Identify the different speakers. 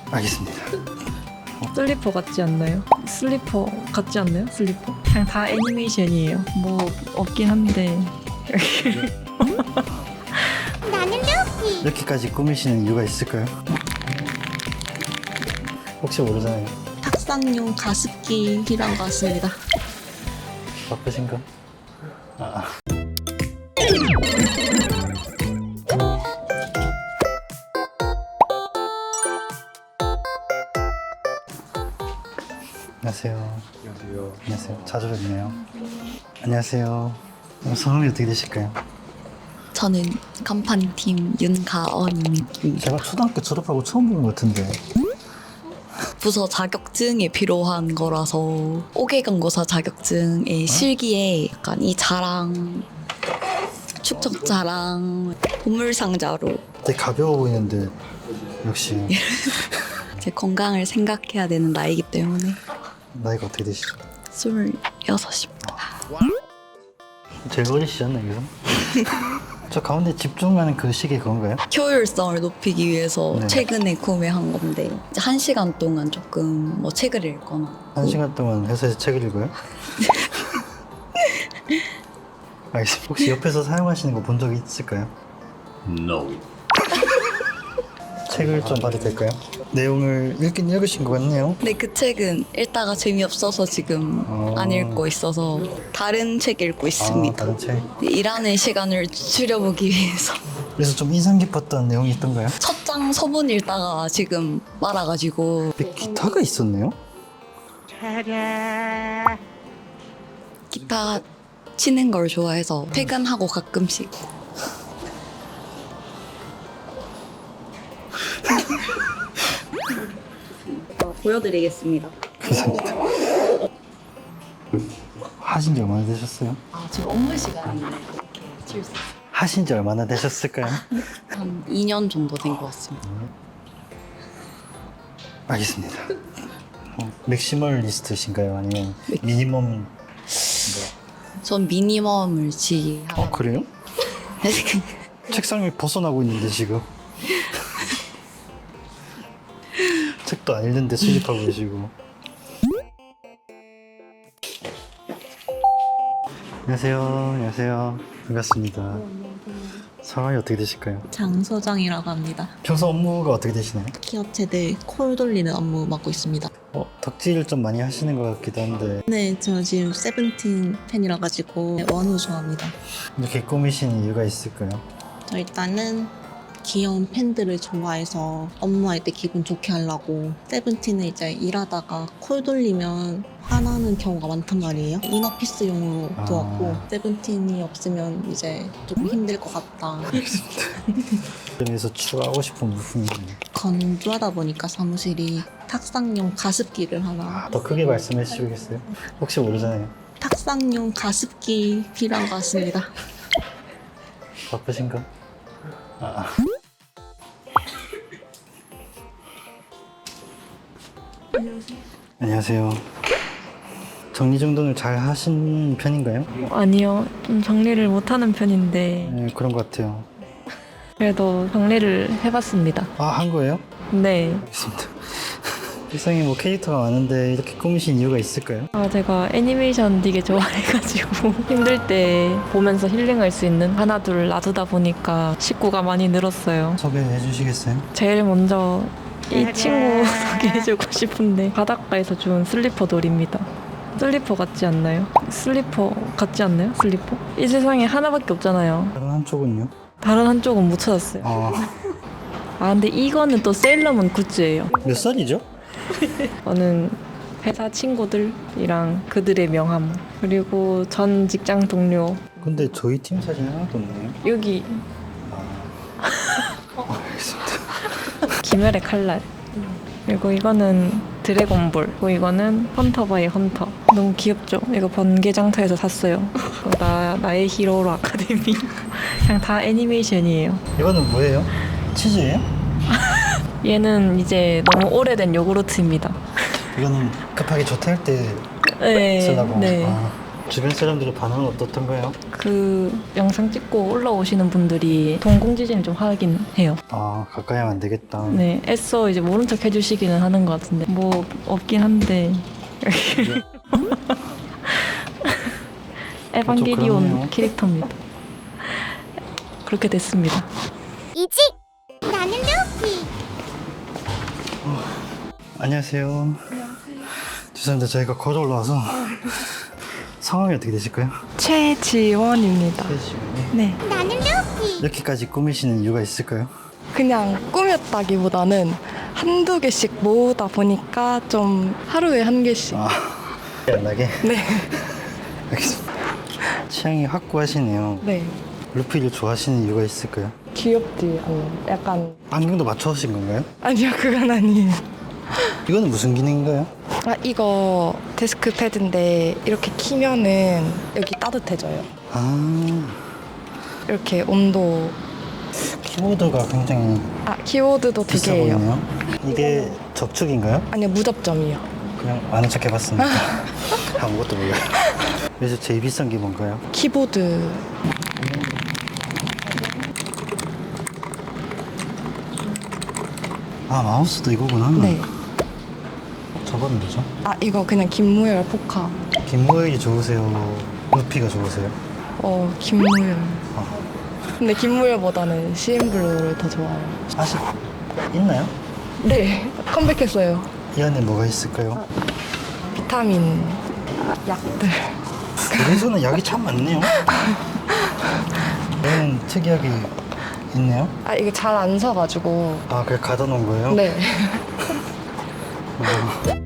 Speaker 1: 알겠습니다.
Speaker 2: 슬리퍼 같지 않나요? 슬리퍼 같지 않나요? 슬리퍼? 그냥 다 애니메이션이에요. 뭐 없긴 한데
Speaker 3: 나는 루피.
Speaker 1: 이렇게까지 꾸미시는 이유가 있을까요? 혹시 모르잖아요.
Speaker 2: 탁상용 가습기 필요한 것 같습니다.
Speaker 1: 바쁘신가? 안녕하세요.
Speaker 4: 안녕하세요.
Speaker 1: 안녕하세요. 자주 뵙네요. 안녕하세요. 성함이 어떻게 되실까요?
Speaker 5: 저는 간판팀 윤가언입니다.
Speaker 1: 제가 초등학교 졸업하고 처음 본 것 같은데.
Speaker 5: 부서 자격증에 필요한 거라서 5개 간고사 자격증의 실기에 약간 이 자랑, 축적 자랑, 보물상자로
Speaker 1: 되게 가벼워 보이는데 역시
Speaker 5: 제 건강을 생각해야 되는 나이기 때문에
Speaker 1: 나이가 어떻게 되시죠?
Speaker 5: 26입니다.
Speaker 1: 제일 어리시지 않나요, 여기서? 저 가운데 집중하는 그 시계 그건가요?
Speaker 5: 효율성을 높이기 위해서
Speaker 1: 네.
Speaker 5: 최근에 구매한 건데 이제 1시간 동안 조금 뭐 책을 읽거나
Speaker 1: 1시간 동안 회사에서 책을 읽어요? 알겠습니다. 혹시 옆에서 사용하시는 거 본 적이 있을까요?
Speaker 4: No.
Speaker 1: 책을 좀 봐도 될까요? 내용을 읽긴 읽으신 것 같네요.
Speaker 5: 근데 그 책은 읽다가 재미없어서 지금 안 읽고 있어서 다른 책 읽고 있습니다.
Speaker 1: 다른 책.
Speaker 5: 일하는 시간을 줄여보기 위해서
Speaker 1: 그래서 좀 인상 깊었던 내용이 있던가요?
Speaker 5: 첫 장 서문 읽다가 지금 말아가지고
Speaker 1: 근데 기타가 있었네요?
Speaker 5: 기타 치는 걸 좋아해서 퇴근하고 가끔씩 보여드리겠습니다.
Speaker 1: 감사합니다. 하신 지 얼마나 되셨어요?
Speaker 5: 지금 업무 시간인데 이렇게 칠 수 있어요.
Speaker 1: 하신 지 얼마나 되셨을까요?
Speaker 5: 한 2년 정도 된 것 같습니다.
Speaker 1: 알겠습니다. 맥시멀리스트신가요? 아니면 미니멈?
Speaker 5: 전 미니멈을 지향.
Speaker 1: 그래요? 책상을 벗어나고 있는데 지금 책도 안 읽는데 수집하고 계시고. 안녕하세요. 안녕하세요. 반갑습니다. 성함이 어떻게 되실까요?
Speaker 6: 장소장이라고 합니다.
Speaker 1: 평소 업무가 어떻게 되시나요?
Speaker 6: 기업체들 콜 돌리는 업무 맡고 있습니다.
Speaker 1: 덕질을 좀 많이 하시는 것 같기도 한데
Speaker 6: 네, 저 지금 세븐틴 팬이라 가지고 원우 좋아합니다.
Speaker 1: 이렇게 꾸미신 이유가 있을까요?
Speaker 6: 저 일단은 귀여운 팬들을 좋아해서 업무할 때 기분 좋게 하려고 세븐틴은 이제 일하다가 콜 돌리면 화나는 경우가 많단 말이에요. 이너피스용으로 두었고 세븐틴이 없으면 이제 조금 힘들 것 같다.
Speaker 1: 점에서 추가하고 싶은 부품이
Speaker 6: 건조하다 보니까 사무실이 탁상용 가습기를 하나
Speaker 1: 더 크게 말씀해 주시겠어요? 혹시 모르잖아요.
Speaker 6: 탁상용 가습기 필요한 것 같습니다.
Speaker 1: 바쁘신가? 안녕하세요. 정리정돈을 잘 하신 편인가요?
Speaker 2: 아니요. 좀 정리를 못하는 편인데
Speaker 1: 네, 그런 것 같아요.
Speaker 2: 그래도 정리를 해봤습니다.
Speaker 1: 한 거예요?
Speaker 2: 네.
Speaker 1: 알겠습니다. 세상에 뭐 캐릭터가 많은데 이렇게 꾸미신 이유가 있을까요?
Speaker 2: 제가 애니메이션 되게 좋아해가지고 힘들 때 보면서 힐링할 수 있는 하나 둘 놔두다 보니까 식구가 많이 늘었어요.
Speaker 1: 소개해 주시겠어요?
Speaker 2: 제일 먼저 이 친구 소개해주고 싶은데 바닷가에서 주운 슬리퍼 돌입니다. 슬리퍼 같지 않나요? 슬리퍼 같지 않나요? 슬리퍼? 이 세상에 하나밖에 없잖아요.
Speaker 1: 다른 한쪽은요?
Speaker 2: 다른 한쪽은 못 찾았어요. 근데 이거는 또 세일러문 굿즈예요.
Speaker 1: 몇 살이죠?
Speaker 2: 저는 회사 친구들이랑 그들의 명함 그리고 전 직장 동료
Speaker 1: 근데 저희 팀 사진 하나도 없네요.
Speaker 2: 여기
Speaker 1: 알겠습니다.
Speaker 2: 김열의 칼날 그리고 이거는 드래곤볼 그리고 이거는 헌터 바이 헌터 너무 귀엽죠? 이거 번개장터에서 샀어요. 나의 히어로 아카데미 그냥 다 애니메이션이에요.
Speaker 1: 이거는 뭐예요? 치즈예요?
Speaker 2: 얘는 이제 너무 오래된 요구르트입니다.
Speaker 1: 이거는 급하게 조퇴할 때
Speaker 2: 네,
Speaker 1: 쓰려고.
Speaker 2: 네.
Speaker 1: 주변 사람들의 반응은 어떻던가요?
Speaker 2: 그 영상 찍고 올라오시는 분들이 동공지진을 좀 하긴 해요.
Speaker 1: 아, 가까이 하면 안 되겠다.
Speaker 2: 네, 애써 이제 모른 척 해주시기는 하는 것 같은데 뭐 없긴 한데 에반게리온
Speaker 1: 그러네요.
Speaker 2: 캐릭터입니다. 그렇게 됐습니다.
Speaker 3: 이지. 나는 루피.
Speaker 1: 안녕하세요. 죄송합니다. 저희가 걸어 올라와서 성함이 어떻게 되실까요?
Speaker 4: 최지원입니다. 네.
Speaker 3: 나는 루피.
Speaker 1: 이렇게까지 꾸미시는 이유가 있을까요?
Speaker 4: 그냥 꾸몄다기보다는 한두 개씩 모으다 보니까 좀 하루에 한 개씩.
Speaker 1: 아, 안 나게?
Speaker 4: 네.
Speaker 1: 알겠습니다. 취향이 확고하시네요.
Speaker 4: 네.
Speaker 1: 루피를 좋아하시는 이유가 있을까요?
Speaker 4: 귀엽지 않나요? 약간.
Speaker 1: 안경도 맞춰주신 건가요?
Speaker 4: 아니요, 그건 아니에요.
Speaker 1: 이거는 무슨 기능인가요?
Speaker 4: 아, 이거 데스크 패드인데 이렇게 키면은 여기 따뜻해져요.
Speaker 1: 아,
Speaker 4: 이렇게 온도.
Speaker 1: 키보드가 굉장히
Speaker 4: 아, 키보드도 두
Speaker 1: 비싸
Speaker 4: 개예요.
Speaker 1: 보이네요. 이게 적축인가요?
Speaker 4: 아니요, 무접점이요.
Speaker 1: 그냥 아는 척 해봤습니다. 아무것도 몰라요. 그래서 제일 비싼 게 뭔가요?
Speaker 4: 키보드.
Speaker 1: 아, 마우스도 이거구나.
Speaker 4: 네.
Speaker 1: 저거는 뭐죠?
Speaker 4: 아, 이거 그냥 김무열 포카.
Speaker 1: 김무열이 좋으세요? 루피가 좋으세요?
Speaker 4: 김무열.
Speaker 1: 아.
Speaker 4: 근데 김무열보다는 CN블루를 더 좋아해요.
Speaker 1: 아직 있나요?
Speaker 4: 네, 컴백했어요.
Speaker 1: 이 안에 뭐가 있을까요?
Speaker 4: 비타민 약들.
Speaker 1: 그래서는 약이 참 많네요. 얘는 특이하게 있네요.
Speaker 4: 아, 이게 잘 안 서가지고.
Speaker 1: 아, 그래 가둬 놓은 거예요?
Speaker 4: 네.
Speaker 1: 어.